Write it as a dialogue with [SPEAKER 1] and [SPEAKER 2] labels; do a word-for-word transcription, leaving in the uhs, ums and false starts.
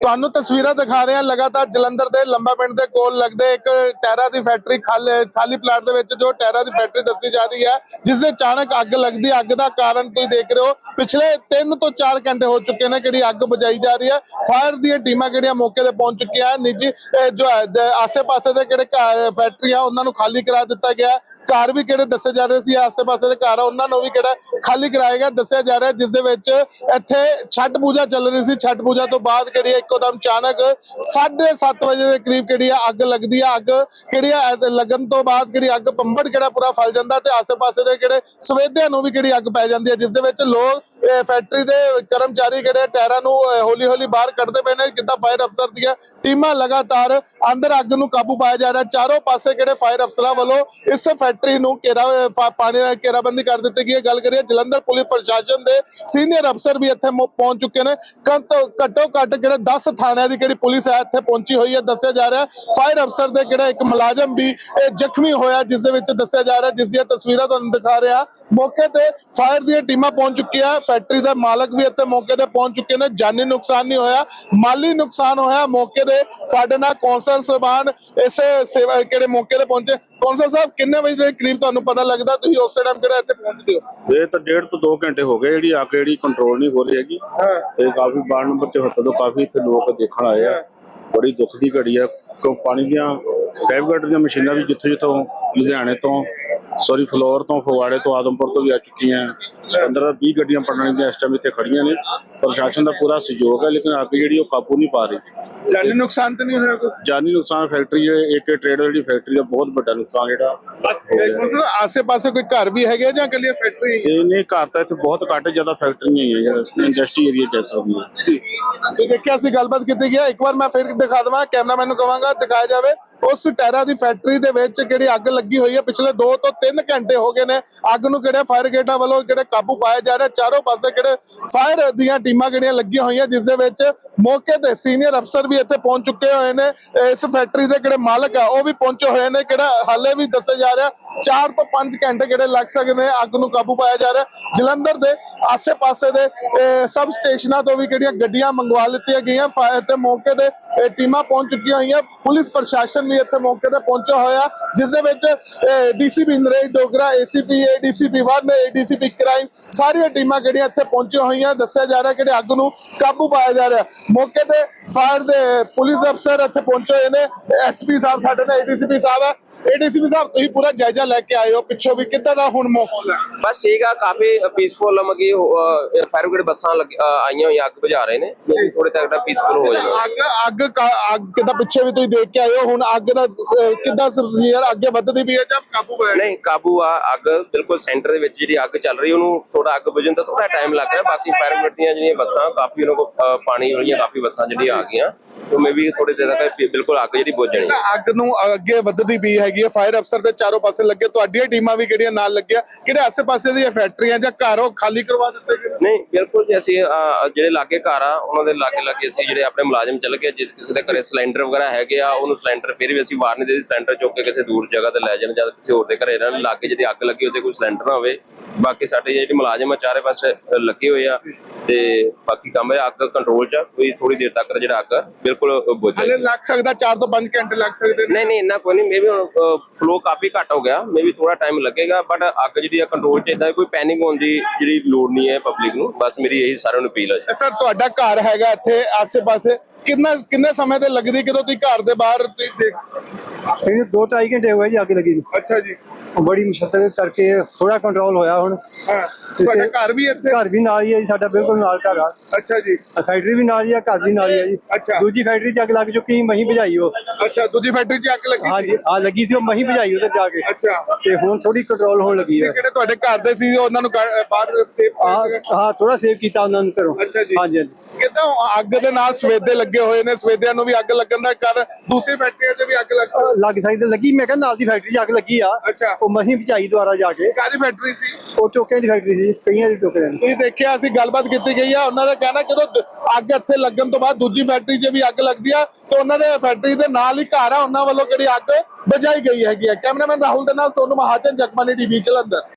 [SPEAKER 1] ਤੁਹਾਨੂੰ ਤਸਵੀਰਾਂ ਦਿਖਾ ਰਹੇ ਹਾਂ ਲਗਾਤਾਰ ਜਲੰਧਰ ਦੇ ਲੰਬਾ ਪਿੰਡ ਦੇ ਕੋਲ ਲੱਗਦੇ ਇੱਕ ਟਾਇਰਾਂ ਦੀ ਫੈਕਟਰੀ ਖਾਲੀ ਖਾਲੀ ਪਲਾਟ ਦੇ ਵਿੱਚ ਜੋ ਟਾਇਰਾਂ ਦੀ ਫੈਕਟਰੀ ਦੱਸੀ ਜਾ ਰਹੀ ਹੈ, ਜਿਸ ਦੇ ਅਚਾਨਕ ਅੱਗ ਲੱਗਦੀ। ਅੱਗ ਦਾ ਕਾਰਨ ਤੁਸੀਂ ਦੇਖ ਰਹੇ ਹੋ, ਪਿਛਲੇ ਤਿੰਨ ਤੋਂ ਚਾਰ ਘੰਟੇ ਹੋ ਚੁੱਕੇ ਨੇ ਜਿਹੜੀ ਅੱਗ ਬੁਝਾਈ ਜਾ ਰਹੀ ਹੈ। ਫਾਇਰ ਦੀਆਂ ਟੀਮਾਂ ਜਿਹੜੀਆਂ ਮੌਕੇ ਤੇ ਪਹੁੰਚ ਚੁੱਕੀਆਂ। ਨਿੱਜੀ ਜੋ ਆਸੇ-ਪਾਸੇ ਦੇ ਜਿਹੜੇ ਫੈਕਟਰੀ ਆ ਉਹਨਾਂ ਨੂੰ ਖਾਲੀ ਕਰਾ ਦਿੱਤਾ ਗਿਆ। ਘਰ ਵੀ ਕਿਹੜੇ ਦੱਸੇ ਜਾ ਰਹੇ ਸੀ ਆਸੇ-ਪਾਸੇ ਦੇ ਘਰ ਉਹਨਾਂ ਨੂੰ ਵੀ ਕਿਹੜਾ ਖਾਲੀ ਕਰਾਇਆ ਗਿਆ ਦੱਸਿਆ ਜਾ ਰਿਹਾ, ਜਿਸ ਦੇ ਵਿੱਚ ਇੱਥੇ ਛਠ ਪੂਜਾ ਚੱਲ ਰਹੀ ਸੀ। ਛਠ ਪੂਜਾ ਤੋਂ ਬਾਅਦ ਜਿਹੜੀ ਇੱਕੋਦਮ ਅਚਾਨਕ ਸਾਢੇ ਸੱਤ ਵਜੇ ਦੇ ਕਰੀਬ ਜਿਹੜੀ ਅੱਗ ਲੱਗਦੀ ਆ। ਅੱਗ ਜਿਹੜੀ ਲੱਗਣ ਤੋਂ ਬਾਅਦ ਜਿਹੜੀ ਅੱਗ ਪੰਬੜ ਕਿਹੜਾ ਪੂਰਾ ਫੈਲ ਜਾਂਦਾ ਤੇ ਆਸੇ-ਪਾਸੇ ਦੇ ਜਿਹੜੇ ਸਵੇਦਿਆਂ ਨੂੰ ਵੀ ਜਿਹੜੀ ਅੱਗ ਪੈ ਜਾਂਦੀ ਹੈ, ਜਿਸ ਦੇ ਵਿੱਚ ਲੋਕ ਫੈਕਟਰੀ ਦੇ ਕਰਮਚਾਰੀ ਜਿਹੜੇ ਟਾਇਰਾਂ ਨੂੰ ਹੌਲੀ ਹੌਲੀ ਬਾਹਰ ਕੱਢਦੇ ਪਏ ਨੇ। ਕਿੱਦਾਂ ਫਾਇਰ ਅਫਸਰ ਦੀਆਂ ਟੀਮਾਂ ਲਗਾਤਾਰ ਅੰਦਰ ਅੱਗ ਨੂੰ ਕਾਬੂ ਪਾਇਆ ਜਾ ਰਿਹਾ। ਚਾਰੋਂ ਪਾਸੇ ਕਿਹੜੇ ਫਾਇਰ ਅਫਸਰਾਂ ਵੱਲੋਂ ਇਸ ਫੈਕਟਰੀ ਨੂੰ ਘੇਰਾ ਪਾਣੀ ਨਾਲ ਘੇਰਾਬੰਦੀ ਕਰ ਦਿੱਤੀ ਗਈ ਹੈ। ਗੱਲ ਕਰੀਏ ਜਲੰਧਰ ਪੁਲਿਸ ਪ੍ਰਸ਼ਾਸਨ ਦੇ ਸੀਨੀਅਰ ਅਫਸਰ ਵੀ ਇੱਥੇ ਪਹੁੰਚ ਚੁੱਕੇ ਨੇ। ਘੱਟੋ ਘੱਟ ਜਿਹੜੇ ਦਸ ਥਾਣਿਆਂ ਦੀ ਜਿਹੜੀ ਪੁਲਿਸ ਹੈ ਇੱਥੇ ਪਹੁੰਚੀ ਹੋਈ ਹੈ ਦੱਸਿਆ ਜਾ ਰਿਹਾ। ਫਾਇਰ ਅਫਸਰ ਦੇ ਕਿਹੜਾ ਇੱਕ ਮੁਲਾਜ਼ਮ ਵੀ ਜ਼ਖਮੀ ਹੋਇਆ, ਜਿਸ ਦੇ ਵਿੱਚ ਦੱਸਿਆ ਜਾ ਰਿਹਾ, ਜਿਸ ਦੀਆਂ ਤਸਵੀਰਾਂ ਤੁਹਾਨੂੰ ਦਿਖਾ ਰਿਹਾ। ਮੌਕੇ ਤੇ ਫਾਇਰ ਦੀਆਂ ਟੀਮਾਂ ਪਹੁੰਚ ਚੁੱਕੀਆਂ। ਫੈਕਟਰੀ ਦੇ ਮਾਲਕ ਵੀ ਇੱਥੇ ਮੌਕੇ ਤੇ ਪਹੁੰਚ ਚੁੱਕੇ ਨੇ। ਜਾਨੀ ਨੁਕਸਾਨ ਨਹੀਂ ਹੋਇਆ, ਮਾਲੀ ਨੁਕਸਾਨ ਹੋਇਆ। ਮੌਕੇ ਤੇ ਸਾਡੇ ਨਾਲ ਕੌਂਸਲ ਸਾਹਿਬਾਨ ਇਸੇ ਸੇਵਾ ਕਿਹੜੇ ਮੌਕੇ ਤੇ ਪਹੁੰਚੇ। ਕੌਂਸਲ ਸਾਹਿਬ, ਕਿੰਨੇ ਵਜੇ ਦੇ ਕਰੀਬ ਤੁਹਾਨੂੰ ਪਤਾ ਲੱਗਦਾ ਤੁਸੀਂ ਉਸੇ ਟਾਈਮ ਕਿਹੜਾ ਇੱਥੇ ਪਹੁੰਚਦੇ ਹੋ?
[SPEAKER 2] ਇਹ ਤਾਂ ਡੇਢ ਤੋਂ ਦੋ ਘੰਟੇ ਹੋ ਗਏ ਜਿਹੜੀ ਅੱਗ ਜਿਹੜੀ ਕੰਟਰੋਲ ਨਹੀਂ ਹੋ ਰਹੀ ਹੈਗੀ। ਤੇ ਕਾਫੀ ਵਾਰਡ ਨੰਬਰ ਚੌਹੱਤਰ ਤੋਂ ਕਾਫੀ ਇੱਥੇ ਲੋਕ ਦੇਖਣ ਆਏ ਆ। ਬੜੀ ਦੁੱਖ ਦੀ ਘੜੀ ਆ ਕਿਉਂ ਪਾਣੀ ਦੀਆਂ ਫਾਇਰ ਦੀਆਂ ਮਸ਼ੀਨਾਂ ਵੀ ਜਿੱਥੋਂ ਜਿੱਥੋਂ ਲੁਧਿਆਣੇ ਤੋਂ ਸੌਰੀ ਫਲੋਰ ਤੋਂ ਫਗਵਾੜੇ ਤੋਂ ਆਦਮਪੁਰ ਤੋਂ ਵੀ ਆ ਚੁੱਕੀਆਂ। ਪੰਦਰਾਂ ਵੀਹ ਗੱਡੀਆਂ ਪਟਨਾ ਦੀਆਂ ਇਸ ਟਾਈਮ ਇੱਥੇ ਖੜੀਆਂ ਨੇ। ਪ੍ਰਸ਼ਾਸਨ ਦਾ ਪੂਰਾ ਸਹਿਯੋਗ ਹੈ, ਲੇਕਿਨ ਅੱਗ ਜਿਹੜੀ ਉਹ ਕਾਬੂ ਨਹੀਂ ਪਾ ਰਹੀ।
[SPEAKER 1] ਜਾਨੀ ਨੁਕਸਾਨ ਤਾਂ ਨਹੀਂ ਹੋਇਆ ਕੋਈ?
[SPEAKER 2] ਜਾਨੀ ਨੁਕਸਾਨ ਫੈਕਟਰੀ ਇੱਕ ਟ੍ਰੇਡ ਜਿਹੜੀ ਫੈਕਟਰੀ ਦਾ ਬਹੁਤ ਵੱਡਾ ਨੁਕਸਾਨ ਜਿਹੜਾ।
[SPEAKER 1] ਆਸੇ ਪਾਸੇ ਕੋਈ ਘਰ ਵੀ ਹੈਗੇ ਜਾਂ ਕੱਲੀ ਫੈਕਟਰੀ?
[SPEAKER 2] ਇਹ ਨਹੀਂ, ਘਰ ਤਾਂ ਇੱਥੇ ਬਹੁਤ ਘੱਟ ਜ਼ਿਆਦਾ ਫੈਕਟਰੀਆਂ ਹੀ ਹੈ ਜਿਹੜਾ ਇੰਡਸਟਰੀ ਏਰੀਆ ਕਹਿ ਸਕਦੇ ਹਾਂ।
[SPEAKER 1] ਤੇ ਦੇਖਿਆ ਸੀ ਗੱਲਬਾਤ ਕੀਤੀ ਗਿਆ। ਇੱਕ ਵਾਰ ਮੈਂ ਫਿਰ ਦਿਖਾ ਦੇਵਾਂ, ਕੈਮਰਾਮੈਨ ਨੂੰ ਕਹਾਂਗਾ ਦਿਖਾਇਆ ਜਾਵੇ। ਉਸ ਟਾਇਰਾਂ ਦੀ ਫੈਕਟਰੀ ਦੇ ਵਿੱਚ ਜਿਹੜੀ ਅੱਗ ਲੱਗੀ ਹੋਈ ਹੈ, ਪਿਛਲੇ ਦੋ ਤੋਂ ਤਿੰਨ ਘੰਟੇ ਹੋ ਗਏ ਨੇ। ਅੱਗ ਨੂੰ ਕਿਹੜੇ ਫਾਇਰ ਬ੍ਰਿਗੇਡਾਂ ਵੱਲੋਂ ਕਿਹੜੇ ਕਾਬੂ ਪਾਇਆ ਜਾ ਰਿਹਾ। ਚਾਰੋਂ ਪਾਸੇ ਕਿਹੜੇ ਫਾਇਰ ਦੀਆਂ ਟੀਮਾਂ ਕਿਹੜੀਆਂ ਲੱਗੀਆਂ ਹੋਈਆਂ, ਜਿਸ ਦੇ ਵਿੱਚ ਮੌਕੇ ਤੇ ਸੀਨੀਅਰ ਅਫਸਰ ਵੀ ਇੱਥੇ ਪਹੁੰਚ ਚੁੱਕੇ ਹੋਏ ਨੇ। ਇਸ ਫੈਕਟਰੀ ਦੇ ਕਿਹੜੇ ਮਾਲਕ ਆ ਉਹ ਵੀ ਪਹੁੰਚੇ ਹੋਏ ਨੇ। ਕਿਹੜਾ ਹਾਲੇ ਵੀ ਦੱਸਿਆ ਜਾ ਰਿਹਾ ਚਾਰ ਤੋਂ ਪੰਜ ਘੰਟੇ ਕਿਹੜੇ ਲੱਗ ਸਕਦੇ ਨੇ ਅੱਗ ਨੂੰ ਕਾਬੂ ਪਾਇਆ ਜਾ ਰਿਹਾ। ਜਲੰਧਰ ਦੇ ਆਸੇ ਪਾਸੇ ਦੇ ਸਬ ਸਟੇਸ਼ਨਾਂ ਤੋਂ ਵੀ ਕਿਹੜੀਆਂ ਗੱਡੀਆਂ ਮੰਗਵਾ ਲਿੱਤੀਆਂ ਗਈਆਂ। ਫਾਇਰ ਤੇ ਮੌਕੇ ਤੇ ਟੀਮਾਂ ਪਹੁੰਚ ਚੁੱਕੀਆਂ ਹੋਈਆਂ। ਪੁਲਿਸ ਪ੍ਰਸ਼ਾਸਨ ਵੀ ਇੱਥੇ ਮੌਕੇ ਤੇ ਪਹੁੰਚਿਆ ਹੋਇਆ, ਜਿਸ ਦੇ ਵਿੱਚ DCP Naresh Dogra, ACP, ADCP one, ADCP crime ਸਾਰੀਆਂ ਟੀਮਾਂ ਜਿਹੜੀਆਂ ਇੱਥੇ ਪਹੁੰਚੀਆਂ ਹੋਈਆਂ। ਦੱਸਿਆ ਜਾ ਰਿਹਾ ਕਿ ਅੱਗ ਨੂੰ ਕਾਬੂ ਪਾਇਆ ਜਾ ਰਿਹਾ। ਮੌਕੇ ਤੇ ਫਾਇਰ ਦੇ ਪੁਲਿਸ ਅਫਸਰ ਇੱਥੇ ਪਹੁੰਚੇ ਹੋਏ ਨੇ। ਐਸਪੀ ਸਾਹਿਬ ਸਾਡੇ ਨਾਲ, ਏਡੀਸੀਪੀ ਸਾਹਿਬ ਹੈ। ਏਡੀਸੀਪੀ ਸਾਹਿਬ, ਤੁਸੀਂ ਪੂਰਾ ਜਾਇਜ਼ਾ ਲੈ ਕੇ ਆਏ ਹੋ, ਪਿੱਛੋਂ ਵੀ ਕਿੱਦਾਂ ਦਾ ਹੁਣ ਮਾਹੌਲ ਹੈ?
[SPEAKER 3] ਬਸ ਠੀਕ ਆ, ਕਾਫੀ ਪੀਸਫੁਲ ਮਗੀ ਫਾਇਰ ਬ੍ਰਿਗੇਡ ਬੱਸਾਂ ਆਈਆਂ ਹੋਈਆਂ, ਅੱਗ ਬੁਝਾ ਰਹੇ ਨੇ। ਥੋੜੇ ਤੱਕ ਪੀਸਫੁਲ ਹੋ ਜਾਣਾ।
[SPEAKER 1] ਅੱਗ ਅੱਗ ਅੱਗ ਕਿੱਦਾਂ ਪਿੱਛੇ ਵੀ ਤੁਸੀਂ ਦੇਖ ਕੇ ਆਏ ਹੋ, ਹੁਣ ਅੱਗ ਦਾ ਕਿੱਦਾਂ ਯਾਰ ਅੱਗੇ ਵੱਧਦੀ ਵੀ ਹੈ ਜਾਂ ਕਾਬੂ ਹੈ?
[SPEAKER 3] ਨਹੀਂ, ਕਾਬੂ ਆ। ਅੱਗ ਬਿਲਕੁਲ ਸੈਂਟਰ ਦੇ ਵਿੱਚ ਜਿਹੜੀ ਅੱਗ ਚੱਲ ਰਹੀ ਉਹਨੂੰ ਥੋੜਾ ਅੱਗ ਬੁਝਣ ਦਾ ਥੋੜਾ ਟਾਈਮ ਲੱਗ ਰਿਹਾ। ਬਾਕੀ ਫਾਇਰ ਬ੍ਰਿਗੇਡ ਦੀਆਂ ਜਿਹੜੀਆਂ ਬੱਸਾਂ ਕਾਫੀ ਉਹਨਾਂ ਕੋਲ ਪਾਣੀ ਵਾਲੀਆਂ ਕਾਫੀ ਬੱਸਾਂ ਜਿਹੜੀਆਂ ਆ ਗਈਆਂ, ਉਹ ਮੇ ਵੀ ਥੋੜੀ ਦੇਰ ਤੱਕ ਬਿਲਕੁਲ ਅੱਗ ਜਿਹੜੀ ਬੁਝ ਜਾਣੀ।
[SPEAKER 1] ਅੱਗ ਨੂੰ ਅੱਗੇ ਵੱਧਦੀ ਵੀ ਹੈਗੀ ਹੈ। ਫਾਇਰ ਅਫਸਰ ਦੇ ਚਾਰੋਂ ਪਾਸੇ ਲੱਗੇ, ਤੁਹਾਡੀਆਂ ਟੀਮਾਂ ਵੀ ਕਿਹੜੀਆਂ ਨਾਲ ਲੱਗੀਆਂ? ਕਿਹੜੇ ਆਸੇ ਪਾਸੇ ਦੀਆਂ ਫੈਕਟਰੀਆਂ ਜਾਂ ਘਰ ਉਹ ਖਾਲੀ ਕਰਵਾ ਦਿੱਤੇ ਗਏ?
[SPEAKER 3] ਨਹੀਂ, ਬਿਲਕੁਲ ਜੀ। ਅਸੀਂ ਜਿਹੜੇ ਲਾਗੇ ਘਰ ਆ ਉਹਨਾਂ ਦੇ ਲਾਗੇ ਲਾਗੇ ਅਸੀਂ ਜਿਹੜੇ ਆਪਣੇ ਮੁਲਾਜ਼ਮ ਚੱਲ ਗਏ। ਜਿਸ ਕਿਸੇ ਦੇ ਘਰੇ ਸਿਲੰਡਰ ਵਗੈਰਾ ਹੈਗੇ ਆ ਉਹਨੂੰ ਸਿਲੰਡਰ ਫਿਰ ਵੀ ਅਸੀਂ ਵਾਰ ਨਹੀਂ ਦੇ ਸਿਲੰਡਰ ਚੁੱਕ ਕੇ ਕਿਸੇ ਦੂਰ ਜਗ੍ਹਾ ਤੇ ਲੈ ਜਾਣ, ਜਾਂ ਕਿਸੇ ਹੋਰ ਦੇ ਘਰੇ ਇਹਨਾਂ ਲਾਗੇ ਜਿਹੜੀ ਅੱਗ ਲੱਗੀ ਉਹਦੇ ਕੋਈ ਸਿਲੰਡਰ ਨਾ ਹੋਵੇ। ਬਾਕੀ ਸਾਡੇ ਜਿਹੜੇ ਮੁਲਾਜ਼ਮ ਆ ਚਾਰੇ ਪਾਸੇ ਲੱਗੇ ਹੋਏ ਆ ਤੇ ਬਾਕੀ ਕੰਮ ਅੱਗ ਕੰਟਰੋਲ ਚ। ਕੋਈ ਥੋੜੀ ਦੇਰ ਤੱਕ ਜਿਹੜਾ ਅੱਗ ਬਿਲਕੁਲ ਬੁਝ ਜਾਏ।
[SPEAKER 1] ਲੱਗ ਸਕਦਾ ਚਾਰ ਤੋਂ ਪੰਜ ਘੰਟੇ ਲੱਗ ਸਕਦੇ?
[SPEAKER 3] ਨਹੀਂ ਨਹੀਂ, ਇੰਨਾ ਕੋਈ ਨਹੀਂ। ਮੇ ਵੀ ਹੁਣ ਫਲੋ ਕਾਫੀ ਘੱਟ ਹੋ ਗਿਆ, ਮੇ ਵੀ ਥੋੜਾ ਟਾਈਮ ਲੱਗੇਗਾ, ਬਟ ਅੱਗ ਜਿਹੜੀ ਆ ਕੰਟਰੋਲ ਚ। ਏਦਾਂ ਕੋਈ ਪੈਨਿਕ ਹੋਣ ਦੀ ਜਿਹੜੀ ਲੋੜ ਨਹੀਂ ਹੈ ਪਬਲਿਕ ਨੂੰ। ਬਸ ਮੇਰੀ ਇਹੀ ਸਾਰਿਆਂ ਨੂੰ ਅਪੀਲ ਹੈ।
[SPEAKER 1] ਸਰ, ਤੁਹਾਡਾ ਘਰ ਹੈਗਾ ਇੱਥੇ ਆਸੇ ਪਾਸੇ, ਕਿੰਨਾ ਕਿੰਨੇ ਸਮੇਂ ਤੇ ਲੱਗਦੀ ਜਦੋਂ ਤੁਸੀਂ ਘਰ ਦੇ ਬਾਹਰ ਤੁਸੀਂ ਦੇਖ?
[SPEAKER 4] ਦੋ ਢਾਈ ਘੰਟੇ ਹੋ ਗਏ ਜੀ ਅੱਗ ਲੱਗੀ ਨੂੰ।
[SPEAKER 1] ਅੱਛਾ ਜੀ।
[SPEAKER 4] ਬੜੀ ਮੁਸ਼ਕਲ ਕਰਕੇ ਥੋੜਾ ਕੰਟਰੋਲ ਹੋਇਆ ਹੁਣ।
[SPEAKER 1] ਹਾਂ, ਤੁਹਾਡਾ ਘਰ ਵੀ ਇੱਥੇ?
[SPEAKER 4] ਘਰ ਵੀ ਨਾਲ ਹੀ ਹੈ ਜੀ, ਸਾਡਾ ਬਿਲਕੁਲ ਨਾਲ ਘਰ ਆ।
[SPEAKER 1] ਅੱਛਾ ਜੀ।
[SPEAKER 4] ਫੈਕਟਰੀ ਵੀ ਨਾਲ ਹੀ ਆ, ਘਰ ਵੀ ਨਾਲ ਹੀ ਆ ਜੀ।
[SPEAKER 1] ਅੱਛਾ।
[SPEAKER 4] ਦੂਜੀ ਫੈਕਟਰੀ ਚ ਅੱਗ ਲੱਗ ਚੁੱਕੀ, ਮਹੀਂ ਭਜਾਈ ਉਹ।
[SPEAKER 1] ਅੱਛਾ, ਦੂਜੀ ਫੈਕਟਰੀ ਚ ਅੱਗ ਲੱਗੀ?
[SPEAKER 4] ਹਾਂਜੀ, ਆ ਲੱਗੀ ਸੀ, ਉਹ ਮਹੀਂ ਭਜਾਈ ਉੱਧਰ ਜਾ ਕੇ।
[SPEAKER 1] ਅੱਛਾ।
[SPEAKER 4] ਤੇ ਹੁਣ ਥੋੜੀ ਕੰਟਰੋਲ ਹੋਣ ਲੱਗੀ ਹੈ।
[SPEAKER 1] ਕਿਹੜੇ ਤੁਹਾਡੇ ਘਰ ਦੇ ਸੀ ਉਹਨਾਂ ਨੂੰ ਬਾਹਰ ਸੇਫ?
[SPEAKER 4] ਹਾਂ, ਥੋੜਾ ਸੇਵ ਕੀਤਾ ਉਹਨਾਂ ਨੂੰ ਘਰੋਂ।
[SPEAKER 1] ਅੱਛਾ ਜੀ।
[SPEAKER 4] ਹਾਂਜੀ ਹਾਂਜੀ।
[SPEAKER 1] ਕਿੱਦਾਂ ਅੱਗ ਦੇ ਨਾਲ ਸਵੇਦੇ ਲੱਗੇ ਹੋਏ ਨੇ, ਸਵੇਦਿਆਂ ਨੂੰ ਵੀ ਅੱਗ ਲੱਗਣ ਦਾ ਕਾਰਨ ਦੂਸਰੀ ਫੈਕਟਰੀਆਂ 'ਚ ਵੀ ਅੱਗ ਲੱਗ
[SPEAKER 4] ਲੱਗ ਸਕਦੀ ਲੱਗੀ। ਮੈਂ ਕਹਿੰਦਾ ਨਾਲ ਦੀ ਫੈਕਟਰੀ 'ਚ ਅੱਗ ਲੱਗੀ ਆ।
[SPEAKER 1] ਅੱਛਾ।
[SPEAKER 4] ਉਹ ਮਹੀਂ ਭਜਾਈ ਦੁਆਰਾ ਜਾ ਕੇ।
[SPEAKER 1] ਕਾਹਦੀ ਫੈਕਟਰੀ ਸੀ
[SPEAKER 4] ਉਹ? ਟੋਕਿਆਂ ਦੀ ਫੈਕਟਰੀ ਸੀ, ਕਈਆਂ ਦੀ ਟੋਕਿਆਂ ਦੀ।
[SPEAKER 1] ਤੁਸੀਂ ਦੇਖਿਆ, ਅਸੀਂ ਗੱਲਬਾਤ ਕੀਤੀ ਗਈ ਆ। ਉਹਨਾਂ ਦਾ ਕਹਿਣਾ ਜਦੋਂ ਅੱਗ ਇੱਥੇ ਲੱਗਣ ਤੋਂ ਬਾਅਦ ਦੂਜੀ ਫੈਕਟਰੀ 'ਚ ਵੀ ਅੱਗ ਲੱਗਦੀ ਆ ਤੇ ਉਹਨਾਂ ਦੇ ਫੈਕਟਰੀ ਦੇ ਨਾਲ ਹੀ ਘਰ ਆ, ਉਹਨਾਂ ਵੱਲੋਂ ਕਿਹੜੀ ਅੱਗ ਬੁਝਾਈ ਗਈ ਹੈਗੀ ਆ। ਕੈਮਰਾਮੈਨ ਰਾਹੁਲ ਦੇ ਨਾਲ ਸੋਨੂ ਮਹਾਜਨ, ਜਗਬਾਨੀ ਟੀਵੀ ਜਲੰਧਰ।